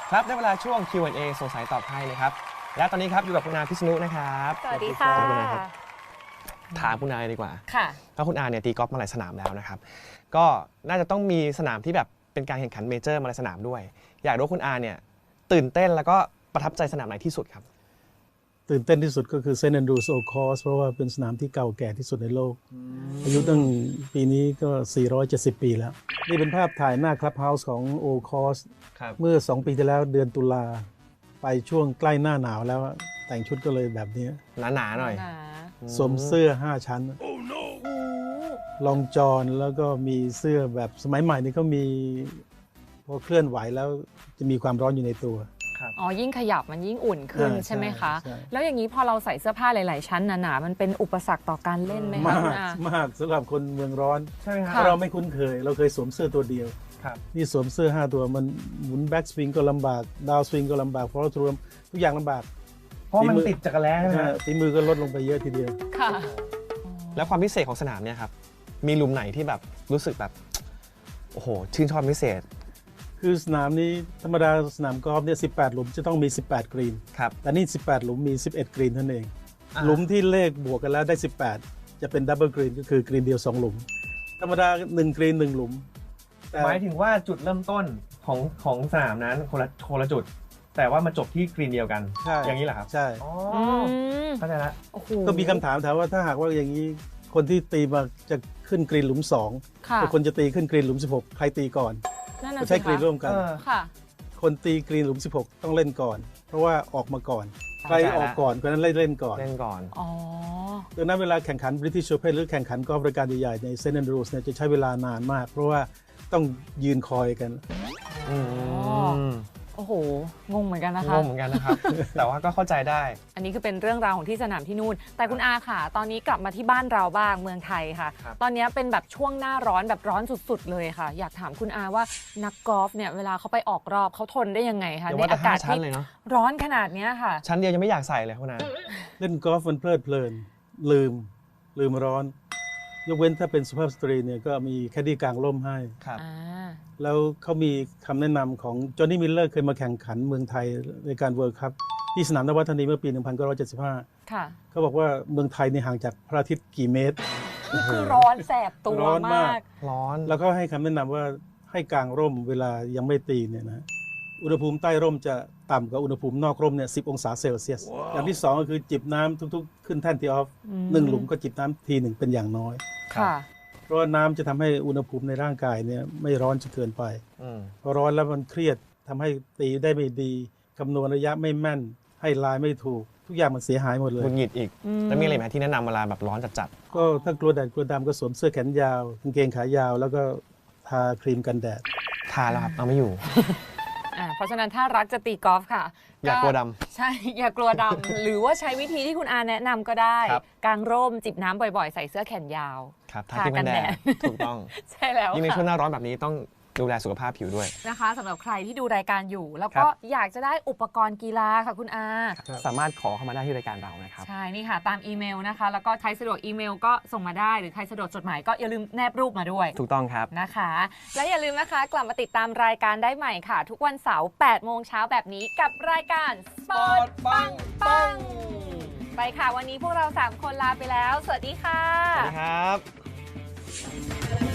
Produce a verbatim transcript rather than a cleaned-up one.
ครับได้เวลาช่วง คิว แอนด์ เอ สงสัยตอบให้นะครับและตอนนี้ครับอยู่กับคุณอาพิษณุนะครับสวัสดีค่ะถามคุณอาดีกว่าค่ะเพราะคุณอาเนี่ยตีกอล์ฟมาหลายสนามแล้วนะครับก็น่าจะต้องมีสนามที่แบบเป็นการแข่งขันเมเจอร์มาหลายสนามด้วยอยากรู้คุณอาเนี่ยตื่นเต้นแล้วก็ประทับใจสนามไหนที่สุดครับตื่นเต้นที่สุดก็คือเซนต์แอนดรูสโอคอร์สเพราะว่าเป็นสนามที่เก่าแก่ที่สุดในโลกอายุตั้งปีนี้ก็ สี่ร้อยเจ็ดสิบ ปีแล้วนี่เป็นภาพถ่ายหน้าคลับเฮาส์ของโอคอร์สเมื่อสองปีที่แล้วเดือนตุลาไปช่วงใกล้หน้าหนาวแล้วแต่งชุดก็เลยแบบนี้หนาๆหน่อยสวมเสื้อห้าชั้นลองจอนแล้วก็มีเสื้อแบบสมัยใหม่นี่ก็มีพอเคลื่อนไหวแล้วจะมีความร้อนอยู่ในตัวอ๋อยิ่งขยับมันยิ่งอุ่นขึ้นใช่ใช่ไหมคะใช่แล้วอย่างนี้พอเราใส่เสื้อผ้าหลาย ๆ ชั้นหนาๆมันเป็นอุปสรรคต่อการเล่นไหมคะมาคุณกอามากสำหรับคนเมืองร้อนใช่ไหมครัค่ะเราไม่คุ้นเคย เราเคยสวมเสื้อตัวเดียวครับนี่สวมเสื้อห้าตัวมันหมุนแบ็กสวิงก็ลำบากดาวสวิงก็ลำบากฟอลโล่ทรูมทุกอย่างลำบากเพราะมันติดจักรแล้ใช่ไหมครับฝีมือก็ลดลงไปเยอะทีเดียวค่ะแล้วความพิเศษของสนามเนี่ยครับมีหลุมไหนที่แบบรู้สึกแบบโอ้โหชื่นชอบพิเศษคือสนามนี้ธรรมดาสนามกอล์ฟเนี่ยสิบแปดหลุมจะต้องมี สิบแปด กรีนครับแต่นี่สิบแปดหลุมมี สิบเอ็ด กรีนเท่านั้นเองอ่าหลุมที่เลขบวกกันแล้วได้ สิบแปด จะเป็นดับเบิลกรีนก็คือกรีนเดียวสองหลุม ธรรมดาหนึ่งกรีนหนึ่งหลุมแต่หมายถึงว่าจุดเริ่มต้นของของสนามนั้นคนละคนละจุด แต่ว่ามาจบที่กรีนเดียวกันใช่อย่างนี้เหรอครับใช่อ๋ออืมเข้าใจละโอ้โหก็มีคำถามถามว่าถ้าหากว่าอย่างนี้คนที่ตีมาจะขึ้นกรีนหลุมสองค่ะแต่คนจะตีขึ้นกรีนหลุมสิบหกใครตีก่อนนั่นน่ะก็สิใช้กรีนคะร่วมกันเออค่ะคนตีกรีนหลุมสิบหกต้องเล่นก่อน เพราะว่าออกมาก่อน ใครเข้าใจละออกก่อนคนนั้นเล่นเล่นก่อนเล่นก่อนอ๋อดังนั้นเวลาแข่งขัน British Open หรือแข่งขันกอล์ฟรายการใหญ่ๆในเซนต์แอนดรูสเนี่ยจะใช้เวลานานมาก เพราะว่าต้องยืนคอยกันอืมโอ้โห งงเหมือนกันนะงคะงเหมือนกันนะครับ แต่ว่าก็เข้าใจได้อันนี้คือเป็นเรื่องราวของที่สนามที่นู่น แต่คุณอาค่ะ ตอนนี้กลับมาที่บ้านเราบ้างเมืองไทยค่ะครับตอนนี้เป็นแบบช่วงหน้าร้อนแบบร้อนสุดๆเลยค่ะ อยากถามคุณอาว่านักกอล์ฟเนี่ยเวลาเขาไปออกรอบเขาทนได้ยังไงคะเดี๋ยวในว่าแต่อากาศห้าชั้นที่เลยเนาะร้อนขนาดเนี้ยค่ะชั้นเดียวยังไม่อยากใส่เลยคุณอาเล่นกอล์ฟมันเพลิดเพลิน ลืม ลืมร้อน ยกเว้นถ้าเป็นสุภาพสตรีเนี่ยก็มีแคดดี้กลางร่มให้ครับอ่าแล้วเขามีคำแนะนำของจอห์นนี่มิลเลอร์เคยมาแข่งขันเมืองไทยในการเวิร์คัพที่สนามนวัฒนีเมื่อปี หนึ่งพันเก้าร้อยเจ็ดสิบห้าค่ะเขาบอกว่าเมืองไทยนี่ห่างจากพระอาทิตย์กี่เมตรนี่คือร้อนแสบตัวร้อนมามากกร้อนแล้วก็ให้คำแนะนำว่าให้กางร่มเวลายังไม่ตีเนี่ยนะอุณหภูมิใต้ร่มจะต่ำกว่าอุณหภูมินอกร่มเนี่ยสิบองศาเซลเซียส อย่างที่สองก็คือจิบน้ำทุกๆ ขึ้นแท่นทีออฟอืมหนึ่งหลุมก็จิบน้ำทีหนึ่งเป็นอย่างน้อยค่ะเพราะว่าน้ำจะทำให้อุณหภูมิในร่างกายเนี่ยไม่ร้อนจนเกินไปอืมพอร้อนแล้วมันเครียดทำให้ตีได้ไม่ดีคำนวณระยะไม่แม่น ให้ลายไม่ถูก ทุกอย่างมันเสียหายหมดเลหยงุดหงิดอีกอืมแล้วมีอะไรไหมที่แนะนำเวลาแบบร้อนจัดก็ถ้ากลัวแดดกลัวดำก็สวมเสื้อแขนยาวกางเกงขายาว แล้วก็ทาครีมกันแดดๆทาแล้วครับเอาไม่อยู่อ่าเพราะฉะนั้นถ้ารักจะตีกอล์ฟค่ะอย่ากลัวดใช่ อย่ากลัวดำ หรือว่าใช้วิธีที่คุณอาแนะนำก็ได้ครับกางร่มจิบน้ำบ่อยๆ ใส่เสื้อแขนยาวครับทาทาครีมกักัน นแดแดดดถูกต้องใช่แล้วยิ่งในช่วงหค่ะน้าร้อนแบบนี้ต้องดูแลสุขภาพผิวด้วยนะคะสำหรับใครที่ดูรายการอยู่ แล้วครัก็บอยากจะได้อุปกรณ์กีฬาค่ะคุณอาสามารถขอเข้ามาได้ที่รายการเรานะครับใช่ นี่ค่ะ ตามอีเมลนะคะ แล้วก็ใครสะดวกอีเมลก็ส่งมาได้ หรือใครสะดวกจดหมายก็อย่าลืมแนบรูปมาด้วยถูกต้องครับนะคะ และอย่าลืมนะคะ กลับมาติดตามรายการได้ใหม่ค่ะ ทุกวันเสาร์แปดโมงเช้าแบบนี้กับรายการสปอร์ตปังปังไปค่ะ วันนี้พวกเราสามคนลาไปแล้ว สวัสดีค่ะสวัสดีครับ